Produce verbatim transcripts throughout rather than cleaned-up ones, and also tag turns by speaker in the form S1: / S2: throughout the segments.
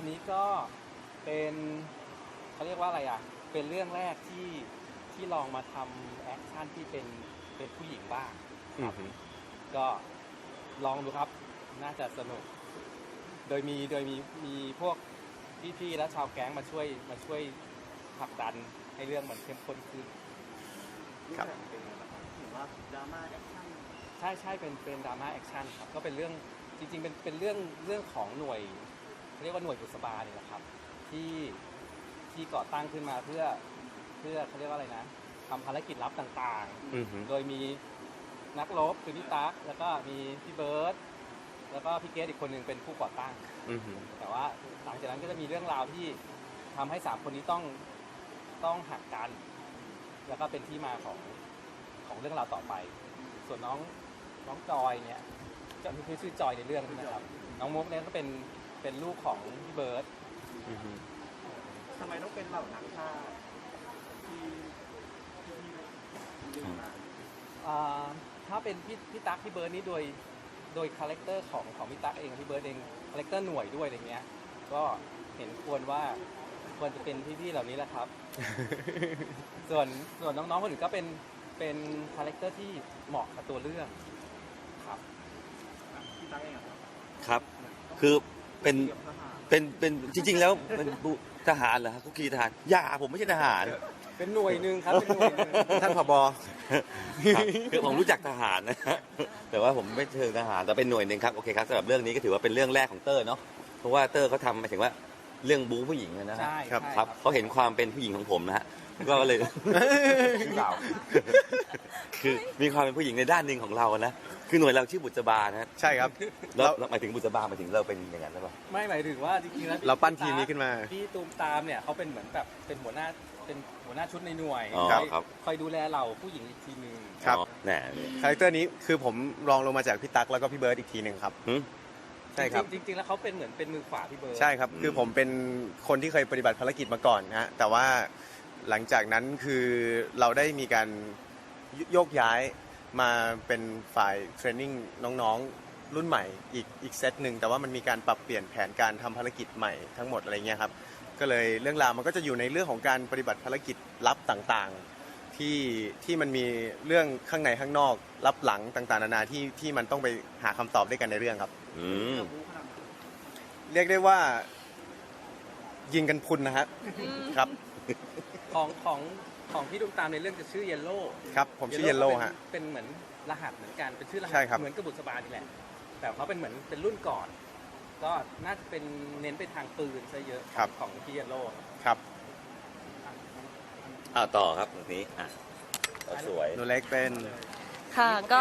S1: อันนี้ก็เป็นเขาเรียกว่าอะไรอ่ะเป็นเรื่องแรกที่ที่ลองมาทำแอคชั่นที่เป็นเป็นผู้หญิงบ้างครับก็ลองดูครับน่าจะสนุกโดยมีโดยมีมีพวกพี่ๆและชาวแก๊งมาช่วยมาช่วยผลักดันให้เรื่องมันเข้มข้นขึ้น
S2: ครับ
S3: ถือว่าดราม่าแอคชั่น
S1: ใช่ใช่เป็นเป็นดราม่าแอคชั่นครับก็เป็นเรื่องจริงๆเป็นเป็นเรื่องเรื่องของหน่วยเรียกว่าหน่วยบุษบาเนี่ยแหละครับที่ที่ก่อตั้งขึ้นมาเพื่อเพื่อเขาเรียกว่าอะไรนะทำภารกิจลับต่างๆโดยมีนักรบคือพี่ตั๊กแล้วก็มีพี่เบิร์ดแล้วก็พี่เกสอีกคนหนึ่งเป็นผู้ก่อตั้งแต่ว่าหลังจากนั้นก็จะมีเรื่องราวที่ทำให้สามคนนี้ต้องต้องหักกันแล้วก็เป็นที่มาของของเรื่องราวต่อไปส่วนน้องน้องจอยเนี่ยจะมีชื่อจอยในเรื่องนะครับน้องมุกเนี่ยก็เป็นเป็นลูกของพี่เบิร์ด
S3: ทำไมต้องเป็นเหล่านักฆ่าที่ที่ดึงมา
S1: ถ้าเป็นพี่พี่ตั๊กพี่เบิร์ดนี่โดยโดยคาแรคเตอร์ของของพี่ตั๊กเองพี่เบิร์ดเองคาแรคเตอร์หน่วยด้วยอะไรเงี้ยก็เห็นควรว่าควรจะเป็นพี่ๆเหล่านี้แหละครับ ส่วนส่วนน้องๆคนอื่นก็เป็นเป็นคาแรคเตอร์ที่เหมาะกับตัวเรื่องครับ
S3: พี่ตั๊กเอง
S2: ครับคือเป็นเป็นเป็นจริงๆแล้วเป็นทหารเหรอครับคุกคีทหารอย่าผมไม่ใช่ทหาร
S1: เป็นหน่วยหนึ่งครับเป็นหน่วยหนึ่ง
S2: ท่านผบคือผมรู้จักทหารนะแต่ว่าผมไม่เชิงทหารแต่เป็นหน่วยหนึ่งครับโอเคครับสำหรับเรื่องนี้ก็ถือว่าเป็นเรื่องแรกของเตอร์เนาะเพราะว่าเตอร์เขาทำหมายถึงว่าเรื่องบู๊ผู้หญิงนะ
S1: ใช่
S2: ครับครับเขาเห็นความเป็นผู้หญิงของผมนะฮะก็เลยคือมีความเป็นผู้หญิงในด้านหนึ่งของเรานะคือหน่วยเราชื่อบุษบานะ
S4: ใช่ครับ
S2: แล้วหมายถึงบุษบาหมายถึงเราเป็นอย่างนั้นหรือเปล่า
S1: ไม่หมายถึงว่าจริงๆแล้ว
S4: เราปั้นทีมนี้ขึ้นมา
S1: พี่ตูมตามเนี่ยเขาเป็นเหมือนแบบเป็นหัวหน้าเป็นหัวหน้าชุดในหน่วยคอยดูแลเราผู้หญิงอีกทีนึง
S4: ครับ
S2: แหน่
S4: คาแรคเตอร์นี้คือผมรองลงมาจากพี่ตั๊กแล้วก็พี่เบิร์ดอีกทีหนึ่งครับใช่ครับ
S1: จริงๆแล้วเขาเป็นเหมือนเป็นมือขวาพี่เบิร์ด
S4: ใช่ครับคือผมเป็นคนที่เคยปฏิบัติภารกิจมาก่อนนะฮะแต่ว่าหลังจากนั้นคือเราได้มีการโยกย้ายมาเป็นฝ่ายเทรนนิ่งน้องๆรุ่นใหม่อีกอีกเซตหนึ่งแต่ว่ามันมีการปรับเปลี่ยนแผนการทำภารกิจใหม่ทั้งหมดอะไรเงี้ยครับก็เลยเรื่องราวมันก็จะอยู่ในเรื่องของการปฏิบัติภารกิจลับต่างๆที่ที่มันมีเรื่องข้างในข้างนอกลับหลังต่างๆนานาที่ที่มันต้องไปหาคำตอบด้วยกันในเรื่องครับเรียกได้ว่ายิงกันพุนนะครับครับ
S1: ของของของพี่ตูมตามในเรื่องจะชื่อเยลโล่
S4: ครับผมชื่อเยลโล่ฮะ
S1: เป็นเหมือนรหัสเหมือนกันเป็นชื่อรหัส
S4: เห
S1: มือนกบุษบานี่แหละแต่เขาเป็นเหมือนเป็นรุ่นก่อนก็น่าจะเป็นเน้นไปทางปืนซะเยอะของพี่เยลโล่
S4: ครับ
S2: อ่าต่อครับตรงนี้อ่ะสวย
S4: หนูเล็กเป็น
S5: ค่ะก็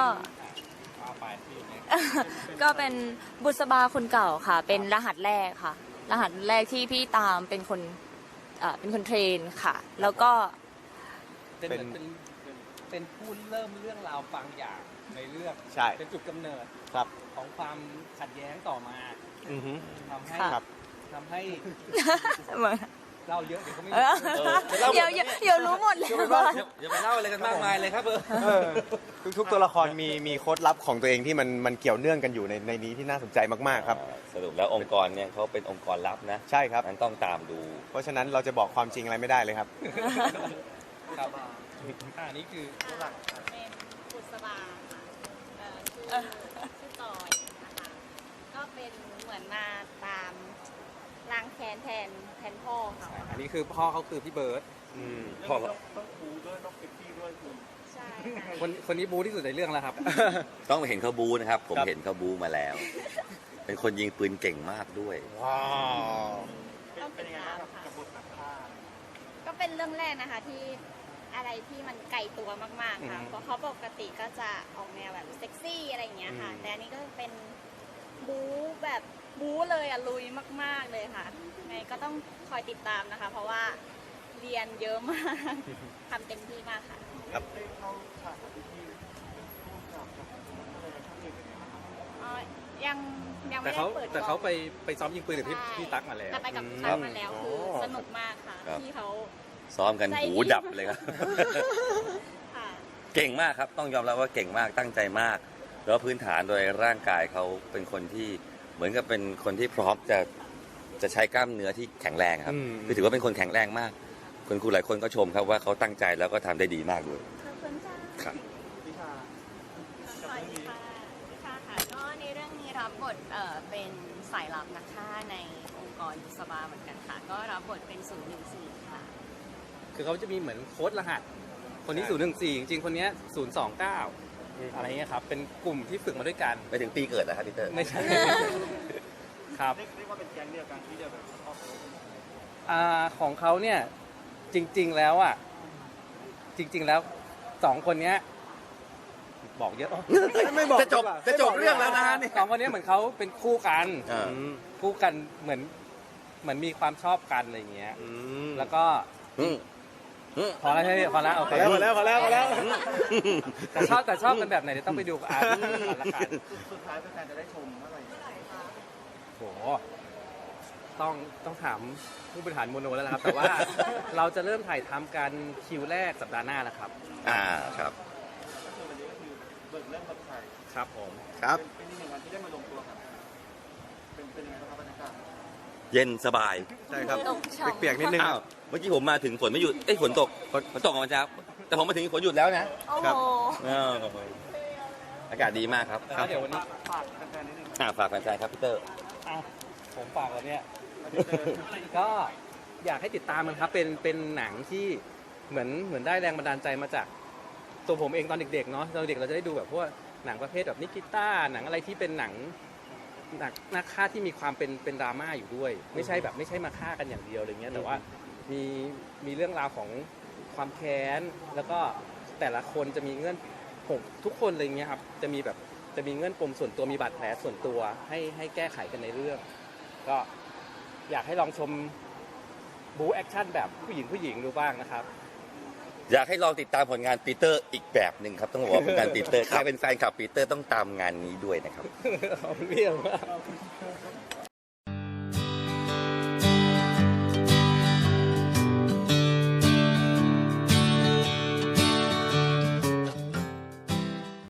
S5: ก็เป็นบุษบาคนเก่าค่ะเป็นรหัสแรกค่ะรหัสแรกที่พี่ตามเป็นคนเอ่อเป็นคนเทรนค่ะแล้วก็
S1: เป็นเป็นเป็นผู้เริ่มเรื่องราวบางอย่างในเรื่องเป็นจุดกำเนิดของความขัดแย้งต่อมาทำให้ทำให้เล่าเยอะเดี๋ยวเขาไม่
S5: เดี๋ยวเดี๋ยวรู้หมดเลย
S1: อย่าไปเล่าอะไรกันมากมายเลยครับเออ
S4: ทุกตัวละครมีมีโค้ดลับของตัวเองที่มันมันเกี่ยวเนื่องกันอยู่ในในนี้ที่น่าสนใจมากๆครับ
S2: สรุปแล้วองค์กรเนี่ยเขาเป็นองค์กรลับนะ
S4: ใช่ครับ
S2: นั้นต้องตามดู
S4: เพราะฉะนั้นเราจะบอกความจริงอะไรไม่ได้เลยครับ
S1: ครับอันนี้คือ
S6: เป็นบุษบาค่ะชื่อจอยนะคะก็เป็นเหมือนมาตามล้างแค้นแทนแทนพ่อเขา
S1: อันนี้คือพ่อเขาคือพี่เบิร์ด
S3: พ่อต้องบูด้วยต้องเซ็กซี่ด้วยคือ
S6: ใช่
S1: คนคนนี้บูที่สุดในเรื่องแล้วครับ
S2: ต้องเห็นเขาบูนะครับผมเห็นเขาบูมาแล้วเป็นคนยิงปืนเก่งมากด้วย
S4: ว้าว
S6: ต้องเป็นยังไงกับบทนักฆ่าก็เป็นเรื่องแรกนะคะที่อะไรที่มันไกลตัวมากๆค่ะเพราะเขาปกติก็จะออกแนวแบบเซ็กซี่อะไรอย่างเงี้ยค่ะแต่อันนี้ก็เป็นบูแบบบูเลยอะลุยมากๆเลยค่ะไงก็ต้องคอยติดตามนะคะเพราะว่าเรียนเยอะมากทำเต็มที่มากค่ะ
S4: ครับ
S6: ยังยังไม่
S1: ได้เปิดแต่เขาไปไปซ้อมยิงปืนกับพี่พี่ตั๊กมาแล้ว
S6: แต่ไปกับพี่ตั๊กมาแล้วคือสนุกมากค่ะที่เขา
S2: ซ้อมกันหูดับเลยครับเก่งมากครับต้องยอมรับว่าเก่งมากตั้งใจมากแล้วพื้นฐานโดยร่างกายเขาเป็นคนที่เหมือนกับเป็นคนที่พร้อมจะจะใช้กล้ามเนื้อที่แข็งแรงครับ
S4: อืม
S2: คือถือว่าเป็นคนแข็งแรงมากคนครูหลายคนก็ชมครับว่าเขาตั้งใจแล้วก็ทำได้ดีมากด้วย
S6: ขอบคุณจ้า
S2: ครับ
S3: วิชา
S7: สวัสดีค่ะวิชาค่ะก็ในเรื่องนี้รับบทเอ่อเป็นสายลับนักฆ่าในองค์กรบุษบาเหมือนกันค่ะ ก็รับบทเป็นศูนย์หนึ่งสี่ค่ะ
S1: คือเขาจะมีเหมือนโค้ดรหัส คนนี้ศูนย์หนึ่งสี่จริงๆคนเนี้ศูนย์สองเก้าอะไรเงี้ยครับเป็นกลุ่มที่ฝึกมาด้วยกัน
S2: ไปถึงปีเกิดนะครับพีเตอร์
S1: ไม่ใช่ ครับ
S3: เรียกเรียกว่าเป็นแก๊งเดียวกันที่เดียวแบบครอบครัว
S1: อ่าของเขาเนี่ยจริง ๆแล้วอ่ะจริง ๆแล้วสองคนเนี้ยบอกเยอะ
S4: ไม่บอก
S2: จะจบจะจบเรื่องแล้วนะฮะนี่
S1: สองคนเนี้ยเหมือนเขาเป็นคู่กัน
S2: อ่า
S1: อืมคู่กันเหมือนเหมือนมีความชอบกันอะไรอย่างเงี้ย
S4: อืม
S1: แล้วก็
S2: อืมอืม
S1: พอแล้วใช่ไหมพอแล้วโอ
S4: พ
S1: เค
S4: อแล้วพอแล้วพอแล้วพอแล้ว
S1: แต่ชอบแต่ชอบกันแบบไหนเดี๋ยวต้องไปดูกับอาร์ตก่อนละกัน
S3: สุดท้ายแฟนๆจะได้ชมเมื่อไหร่
S1: โหต้องต้องถามผู้บริหารโมโนแล้วนะครับ แต่ว่าเราจะเริ่มถ่ายทำกันคิวแรกสัปดาห์หน้าแล้วครับ
S2: อ่าครับ
S3: ก็คือวันนี้ก็คือเบิกเริ่มกับไทย
S1: ครับผม
S4: ครับ
S3: เป็นเป็นอีกหนึ่งวันที่ได้มาลงตัวกันเป็นเป็นยังไงบ้างครับบรรยากาศ
S2: เย็นสบาย
S4: ใช่ครับ
S5: ตกช่อง
S4: เปียกๆนิดนึง
S2: อ้าวเมื่อกี้ผมมาถึงฝนไม่หยุดเอ้ยฝนตกฝนฝนตกมาเช้าแต่ผมมาถึงฝนหยุดแล้วนะ
S5: โอ้
S4: ครั
S5: โห
S4: บ
S2: อ้าวอากาศดีมากครับ
S1: แล้วเดี๋ยววันนี้
S3: ฝากแฟนๆนิดนึง
S2: อ่าฝากแฟนๆครับพีเตอร์
S1: อ่ะผมฝากแล้วเนี่ย
S3: วันนี้เจอ
S1: ก็อยากให้ติดตามมันครับ เป็นเป็นหนังที่เหมือนเหมือนได้แรงบันดาลใจมาจากตัวผมเองตอนเด็กๆเนาะตอนเด็กเราจะได้ดูแบบพวกหนังประเภทแบบนิกิต้าหนังอะไรที่เป็นหนังหนักนักฆ่าที่มีความเป็นเป็นดราม่าอยู่ด้วย ไม่ใช่แบบไม่ใช่มาฆ่ากันอย่างเดียวอะไรเงี้ยแต่ว่ามีมีเรื่องราวของความแค้นแล้วก็แต่ละคนจะมีเงื่อนผมทุกคนอะไรเงี้ยครับจะมีแบบจะมีเงื่อนปมส่วนตัวมีบาดแผลส่วนตัวให้ให้แก้ไขกันในเรื่อง ก็อยากให้ลองชมบู๊แอคชั่นแบบผู้หญิงผู้หญิงดูบ้างนะครับ
S2: อยากให้ลองติดตามผลงานปีเตอร์อีกแบบหนึ่งครับต้องบอกว่าผลงานปีเตอร์ใครเป็นแฟนคลับปีเตอร์ต้องตามงานนี้ด้วยนะครับ
S1: ขอบคุณพี่มาก